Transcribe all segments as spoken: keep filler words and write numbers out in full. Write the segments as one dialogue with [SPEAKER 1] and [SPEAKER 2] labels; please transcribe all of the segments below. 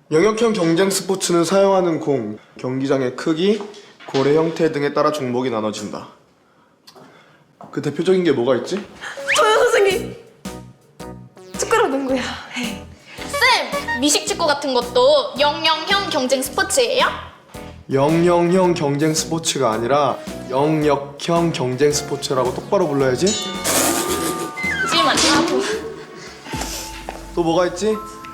[SPEAKER 1] 영역형 경쟁 스포츠는 사용하는 공, 경기장의 크기, 고래 형태 등에 따라 종목이 나눠진다. 그 대표적인 게 뭐가 있지?
[SPEAKER 2] 저요 선생님! 숟가락 농구야.
[SPEAKER 3] 쌤! 미식축구 같은 것도 영영형 경쟁 스포츠예요?
[SPEAKER 1] 영역형 경쟁 스포츠가 아니라 영역형 경쟁 스포츠라고 똑바로 불러야지.
[SPEAKER 3] 하지만 하고
[SPEAKER 1] 또 뭐가 있지?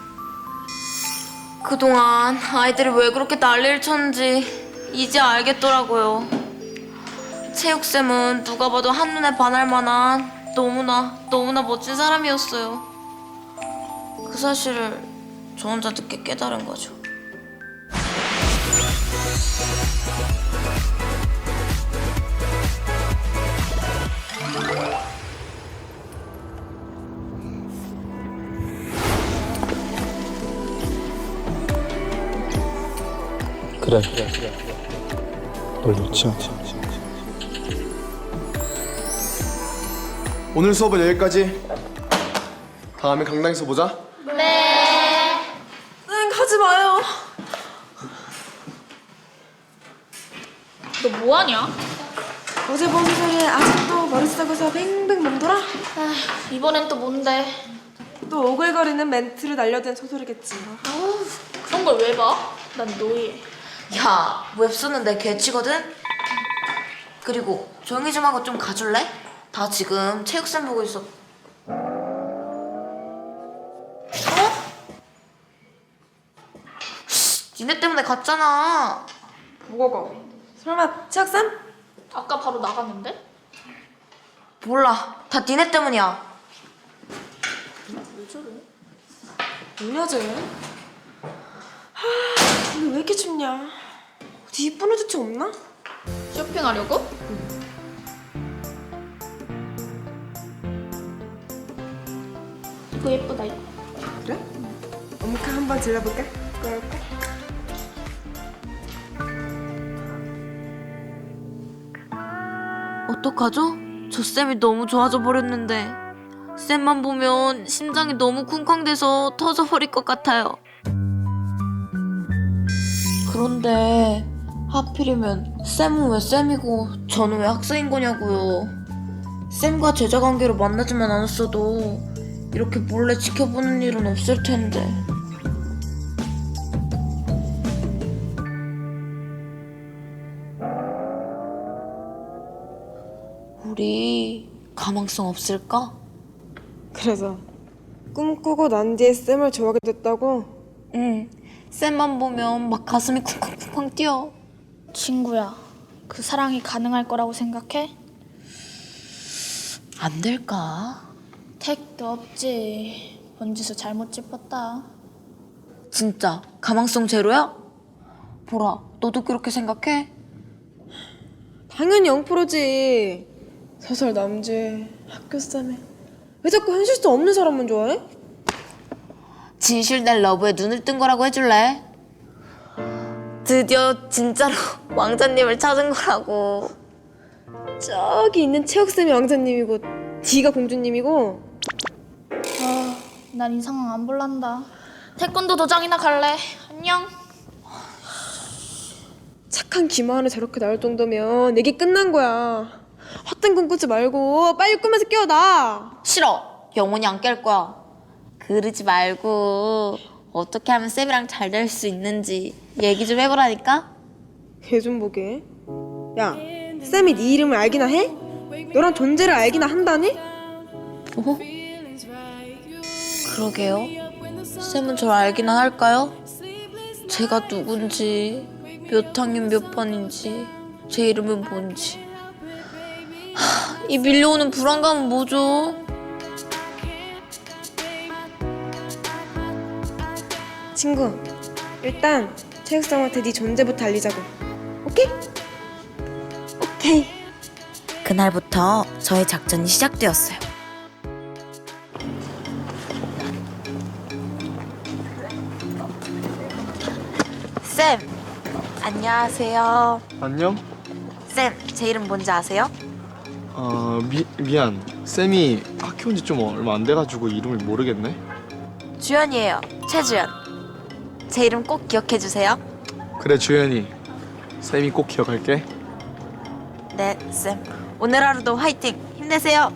[SPEAKER 2] 그동안 아이들이 왜 그렇게 난리를 쳤는지 이제 알겠더라고요. 체육쌤은 누가 봐도 한눈에 반할 만한 너무나 너무나 멋진 사람이었어요. 그 사실을 저 혼자 늦게 깨달은 거죠.
[SPEAKER 1] 그래, 그래, 그래. 널 놓지 않지. 오늘 수업은 여기까지. 다음에 강당에서 보자.
[SPEAKER 3] 네.
[SPEAKER 2] 응, 가지 마요.
[SPEAKER 3] 너 뭐하냐?
[SPEAKER 2] 어제 본 소리에 아직도 머리 썩어서 뱅뱅 맴돌아?
[SPEAKER 3] 아, 이번엔 또 뭔데?
[SPEAKER 2] 또 오글거리는 멘트를 날려댄 소설이겠지.
[SPEAKER 3] 아우, 그런 걸 왜 봐? 난 노예.
[SPEAKER 2] 야, 웹툰은 내 개치거든? 그리고 조용히 좀 하고 좀 가줄래? 다 지금 체육쌤 보고 있어. 어? 니네 때문에 갔잖아. 뭐가? 설마 체육쌤?
[SPEAKER 3] 아까 바로 나갔는데?
[SPEAKER 2] 몰라. 다 니네 때문이야.
[SPEAKER 3] 왜 저래?
[SPEAKER 2] 뭐냐 쟤? 하, 오늘 왜 이렇게 춥냐? 어디 이쁜 후드티 없나?
[SPEAKER 3] 쇼핑하려고? 이거 예쁘다 이거.
[SPEAKER 2] 그래? 엄카 한번 질러볼까? 그럴까? 어떡하죠? 저 쌤이 너무 좋아져 버렸는데 쌤만 보면 심장이 너무 쿵쾅대서 터져버릴 것 같아요. 그런데 하필이면 쌤은 왜 쌤이고 저는 왜 학생인 거냐고요. 쌤과 제자 관계로 만나지만 않았어도 이렇게 몰래 지켜보는 일은 없을 텐데. 우리 가망성 없을까?
[SPEAKER 4] 그래서 꿈꾸고 난 뒤에 쌤을 좋아하게 됐다고?
[SPEAKER 2] 응. 쌤만 보면 막 가슴이 쿵쾅쿵쾅 뛰어.
[SPEAKER 3] 친구야, 그 사랑이 가능할 거라고 생각해?
[SPEAKER 2] 안 될까?
[SPEAKER 3] 택도 없지. 번지수 잘못 짚었다.
[SPEAKER 2] 진짜 가망성 제로야? 보라, 너도 그렇게 생각해?
[SPEAKER 4] 당연히 영 퍼센트지. 소설 남주에 학교 쌤에 왜 자꾸 현실성 없는 사람만 좋아해?
[SPEAKER 2] 진실된 러브에 눈을 뜬 거라고 해줄래? 드디어 진짜로 왕자님을 찾은 거라고.
[SPEAKER 4] 저기 있는 체육쌤이 왕자님이고 D가 공주님이고.
[SPEAKER 3] 아, 난 이 상황 안 볼란다. 태권도 도장이나 갈래. 안녕.
[SPEAKER 4] 착한 김하은을 저렇게 나올 정도면 얘기 끝난 거야. 헛된 꿈 꾸지 말고 빨리 꿈에서 깨어나.
[SPEAKER 2] 싫어. 영원히 안 깰 거야. 그러지 말고 어떻게 하면 쌤이랑 잘 될 수 있는지 얘기 좀 해보라니까?
[SPEAKER 4] 걔 좀 보게. 야, 쌤이 네 이름을 알기나 해? 너랑 존재를 알기나 한다니?
[SPEAKER 2] 어? 그러게요. 쌤은 절 알기나 할까요? 제가 누군지, 몇 학년 몇 반인지, 제 이름은 뭔지. 하, 이 밀려오는 불안감은 뭐죠?
[SPEAKER 4] 친구, 일단 체육쌤한테 네 존재부터 알리자고. 오케이?
[SPEAKER 2] 오케이. 그날부터 저의 작전이 시작되었어요. 쌤, 안녕하세요.
[SPEAKER 1] 안녕?
[SPEAKER 2] 쌤, 제 이름 뭔지 아세요?
[SPEAKER 1] 어, 미, 미안. 쌤이 학교 온 지 좀 얼마 안 돼가지고 이름을 모르겠네.
[SPEAKER 2] 주연이에요. 최주연. 제 이름 꼭 기억해 주세요.
[SPEAKER 1] 그래 주연이. 쌤이 꼭 기억할게.
[SPEAKER 2] 네, 쌤. 오늘 하루도 화이팅! 힘내세요.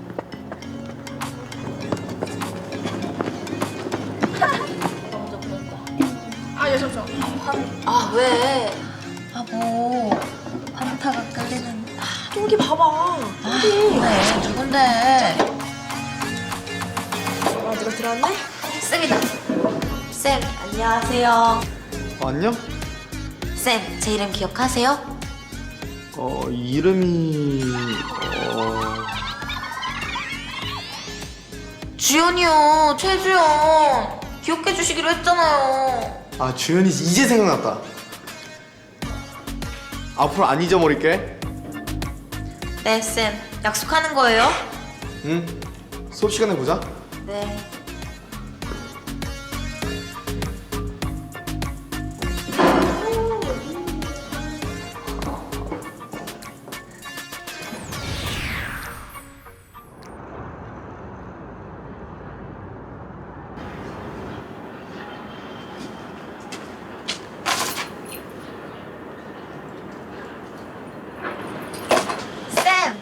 [SPEAKER 4] 아, 예, 잠시만.
[SPEAKER 2] 아, 왜? 아, 뭐. 환타가 끌리는.
[SPEAKER 4] 똥기 봐봐.
[SPEAKER 2] 네, 누군데?
[SPEAKER 4] 아, 누가 들어왔네?
[SPEAKER 2] 쌤이다. 쌤, 안녕하세요.
[SPEAKER 1] 어, 안녕?
[SPEAKER 2] 쌤, 제 이름 기억하세요?
[SPEAKER 1] 어 이름이 어
[SPEAKER 2] 주연이요, 최주연. 기억해 주시기로 했잖아요.
[SPEAKER 1] 아 주연이 이제 생각났다. 앞으로 안 잊어버릴게.
[SPEAKER 2] 네, 쌤. 약속하는 거예요?
[SPEAKER 1] 응. 수업 시간에 보자.
[SPEAKER 2] 네. 쌤!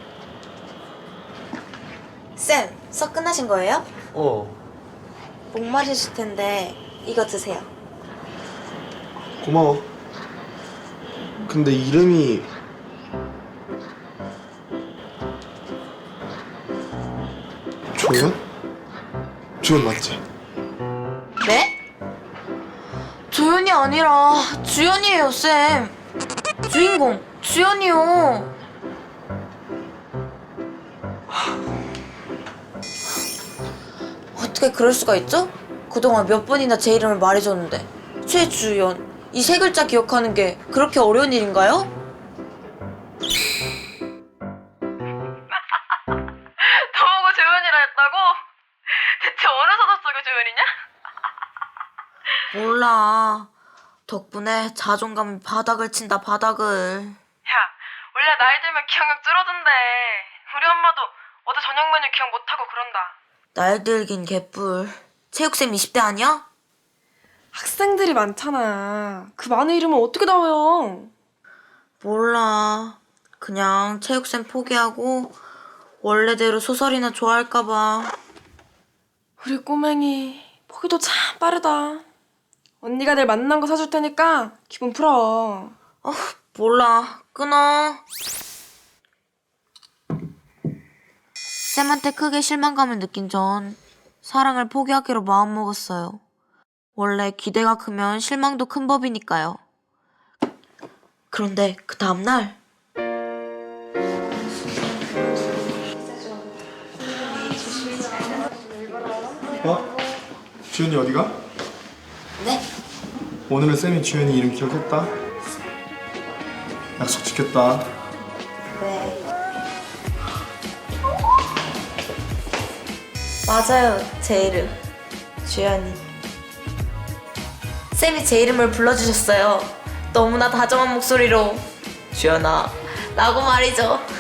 [SPEAKER 2] 쌤, 수업 끝나신 거예요?
[SPEAKER 1] 어.
[SPEAKER 2] 목마르실 텐데 이거 드세요.
[SPEAKER 1] 고마워. 근데 이름이 조연? 조연 맞지?
[SPEAKER 2] 네? 조연이 아니라 주연이에요, 쌤. 주인공 주연이요. 어떻게 그럴 수가 있죠? 그동안 몇 번이나 제 이름을 말해줬는데 최주연 이 세 글자 기억하는 게 그렇게 어려운 일인가요?
[SPEAKER 4] 저보고 조연이라 했다고? 대체 어느 소설 속의 조연이냐?
[SPEAKER 2] 몰라. 덕분에 자존감이 바닥을 친다, 바닥을.
[SPEAKER 4] 야, 원래 나이 들면 기억력 줄어든대. 우리 엄마도 어제 저녁 메뉴 기억 못하고 그런다.
[SPEAKER 2] 날 들긴 개뿔. 체육쌤 이십 대 아니야?
[SPEAKER 4] 학생들이 많잖아. 그 많은 이름을 어떻게 다 외워?
[SPEAKER 2] 몰라. 그냥 체육쌤 포기하고 원래대로 소설이나 좋아할까봐.
[SPEAKER 4] 우리 꼬맹이 포기도 참 빠르다. 언니가 내일 만난 거 사줄 테니까 기분 풀어.
[SPEAKER 2] 어, 몰라. 끊어. 쌤한테 크게 실망감을 느낀 전 사랑을 포기하기로 마음먹었어요. 원래 기대가 크면 실망도 큰 법이니까요. 그런데 그 다음날
[SPEAKER 1] 어? 주연이 어디가?
[SPEAKER 2] 네?
[SPEAKER 1] 오늘은 쌤이 주연이 이름 기억했다. 약속 지켰다.
[SPEAKER 2] 네. 맞아요, 제 이름 주연이. 쌤이 제 이름을 불러주셨어요. 너무나 다정한 목소리로 주연아 라고 말이죠.